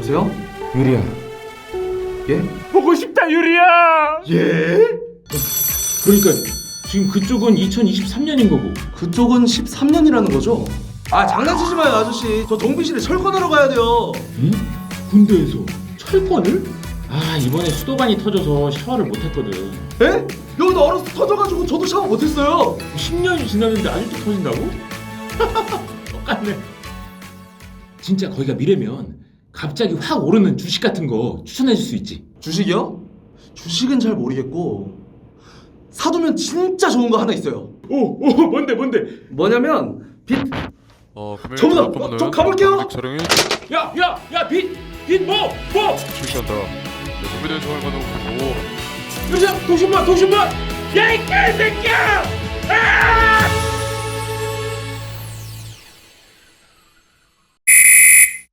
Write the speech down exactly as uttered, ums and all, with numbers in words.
여보세요? 유리야. 예? 보고 싶다 유리야. 예? 그러니까 지금 그쪽은 이천이십삼 년인 거고. 그쪽은 십삼 년이라는 거죠? 아 장난치지 마요 아저씨. 저 정비실에 철거하러 가야 돼요. 응? 군대에서 철권을? 아 이번에 수도관이 터져서 샤워를 못했거든. 에? 여기도 얼어서 터져가지고 저도 샤워 못했어요. 십 년이 지났는데 아직도 터진다고? 똑같네. 진짜 거기가 미래면 갑자기 확 오르는 주식 같은 거 추천해 줄 수 있지. 주식이요? 주식은 잘 모르겠고 사두면 진짜 좋은 거 하나 있어요. 오, 오 뭔데 뭔데? 뭐냐면 빚. 어, 금일 전부 다, 전화번호는 저 가볼게요. 방직 촬영이 야, 야, 야, 빚, 빚 뭐, 뭐? 실시한다. 네, 준비된 정을 받아보고 여자 도신반, 도신반. 야, 이 개새끼야! 아!